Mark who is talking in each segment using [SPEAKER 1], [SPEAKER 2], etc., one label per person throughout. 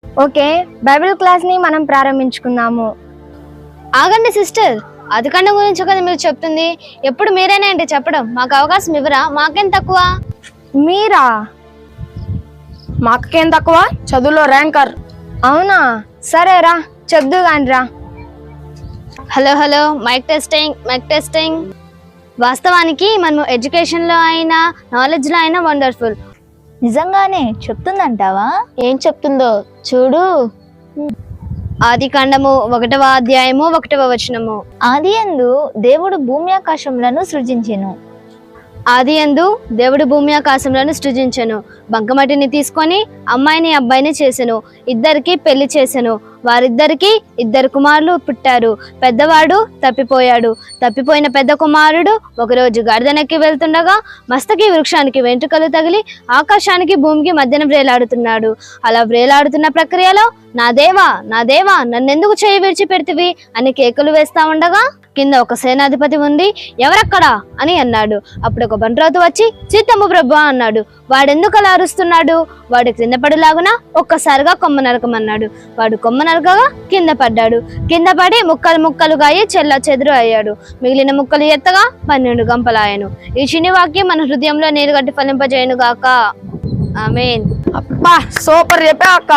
[SPEAKER 1] Okay, Bible class ని మనం ప్రారంభించుకుందాము.
[SPEAKER 2] ఆగండి సిస్టర్, అధికండం గురించి కదా మీరు చెప్తుంది. ఎప్పుడు మీరేనా ఏంటి చెప్పడం? మాకు అవకాశం ఇవ్వరా? మాకేం తక్కువ?
[SPEAKER 1] మీరా?
[SPEAKER 3] మా అక్కకేం తక్కువ, చదువులో ర్యాంకర్.
[SPEAKER 1] అవునా, సరేరా చెప్దు గానిరా.
[SPEAKER 2] Hello hello, mike testing. వాస్తవానికి మనం ఎడ్యుకేషన్లో అయినా నాలెడ్జ్లో అయినా వండర్ఫుల్.
[SPEAKER 4] నిజంగానే చెప్తుందంటావా?
[SPEAKER 2] ఏం చెప్తుందో చూడు. ఆదికాండము 1వ అధ్యాయము 1వ వచనము.
[SPEAKER 4] ఆదియందు దేవుడు భూమి ఆకాశములను సృజించెను.
[SPEAKER 2] ఆదియందు దేవుడు భూమి ఆకాశములను సృజించెను. బంకమట్టిని తీసుకొని అమ్మాయిని అబ్బాయిని చేసెను. ఇద్దరికి పెళ్లి చేసెను. వారిద్దరికి 2 కుమారులు పుట్టారు. పెద్దవాడు తప్పిపోయాడు. తప్పిపోయిన పెద్ద కుమారుడు ఒకరోజు గాడిదనెక్కి వెళ్తుండగా మస్తకి వృక్షానికి వెంట్రుకలు తగిలి ఆకాశానికి భూమికి మధ్యన వ్రేలాడుతున్నాడు. అలా వ్రేలాడుతున్న ప్రక్రియలో నా దేవా నన్నెందుకు చేయి విడిచిపెడితివి అని కేకలు వేస్తా ఉండగా కింద ఒక సేనాధిపతి ఉండి ఎవరక్కడా అని అన్నాడు. అప్పుడు ఒక బంట్రోతు వచ్చి చిత్తము ప్రభు అన్నాడు. వాడెందుకు అలా అరుస్తున్నాడు? వాడు కింద పడులాగున ఒక్కసారిగా కొమ్మ నరకమన్నాడు. వాడు కొమ్మ నరకగా కింద పడ్డాడు. కింద పడి ముక్కలుగా అయ్యి చెల్ల చెదురు అయ్యాడు. మిగిలిన ముక్కలు ఎత్తగా 12 గంపలాయను. ఈ చిన్ని వాక్యం మన హృదయంలో నీరు గట్టి ఫలింపజేయను గాక. ఆమేన్.
[SPEAKER 3] అబ్బా సూపర్ చెప్పా అక్క.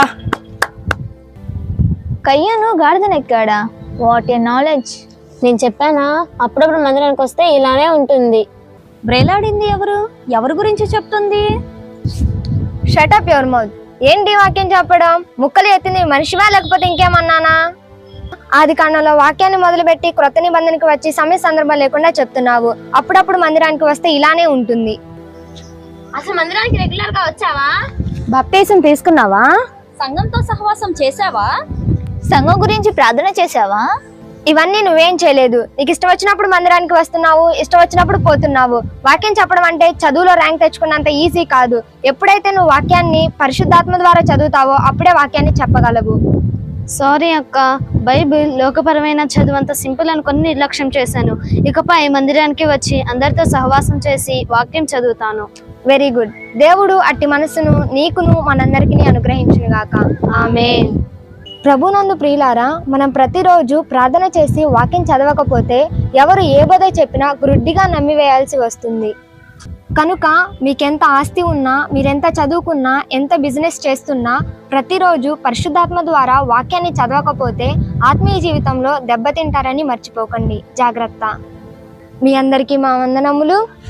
[SPEAKER 4] కయ్యను గాడిదనెక్కాడా? What a knowledge!
[SPEAKER 2] నేను చెప్పానా, అప్పుడప్పుడు మందిరానికి వస్తే ఇలానే ఉంటుంది.
[SPEAKER 4] బ్రేలాడింది ఎవరి గురించి చెప్తుంది?
[SPEAKER 1] Shut up your mouth. ఏంటి వాక్యం చెప్పడం? ముక్కలు ఎత్తింది మనిషివా లేకపోతే ఇంకేమన్నానా? ఆది కాండంలో వాక్యాన్ని మొదలుపెట్టి క్రొత్త నిబంధనకి వచ్చి సమయ సందర్భం లేకుండా చెప్తున్నావు. అప్పుడప్పుడు మందిరానికి వస్తే ఇలానే ఉంటుంది.
[SPEAKER 2] అసలు మందిరానికి రెగ్యులర్ గా వచ్చావా?
[SPEAKER 4] బాప్టిజం తీసుకున్నావా? సంఘంతో సహవాసం చేసావా? సంఘం గురించి ప్రార్థన చేసావా?
[SPEAKER 1] ఇవన్నీ నువ్వేం చేయలేదు. నీకు ఇష్టం వచ్చినప్పుడు మందిరానికి వస్తున్నావు, ఇష్టం వచ్చినప్పుడు పోతున్నావు. వాక్యం చెప్పడం అంటే చదువులో ర్యాంక్ తెచ్చుకున్నంత ఈజీ కాదు. ఎప్పుడైతే నువ్వు వాక్యాన్ని పరిశుద్ధాత్మ ద్వారా చదువుతావో అప్పుడే వాక్యాన్ని చెప్పగలవు.
[SPEAKER 2] సారీ అక్క, బైబిల్ లోకపరమైన చదువు అంత సింపుల్ అనుకుని నిర్లక్ష్యం చేశాను. ఇకపై మందిరానికి వచ్చి అందరితో సహవాసం చేసి వాక్యం చదువుతాను.
[SPEAKER 1] Very good. దేవుడు అట్టి మనసును నీకును మనందరికీ అనుగ్రహించును గాక.
[SPEAKER 2] ఆమేన్.
[SPEAKER 1] ప్రభునందు ప్రియులారా, మనం ప్రతిరోజు ప్రార్థన చేసి వాక్యం చదవకపోతే ఎవరు ఏ బోధ చెప్పినా గుడ్డిగా నమ్మివేయాల్సి వస్తుంది. కనుక మీకెంత ఆస్తి ఉన్నా, మీరెంత చదువుకున్నా, ఎంత బిజినెస్ చేస్తున్నా ప్రతిరోజు పరిశుద్ధాత్మ ద్వారా వాక్యాన్ని చదవకపోతే ఆత్మీయ జీవితంలో దెబ్బతింటారని మర్చిపోకండి. జాగ్రత్త. మీ అందరికీ మా వందనములు.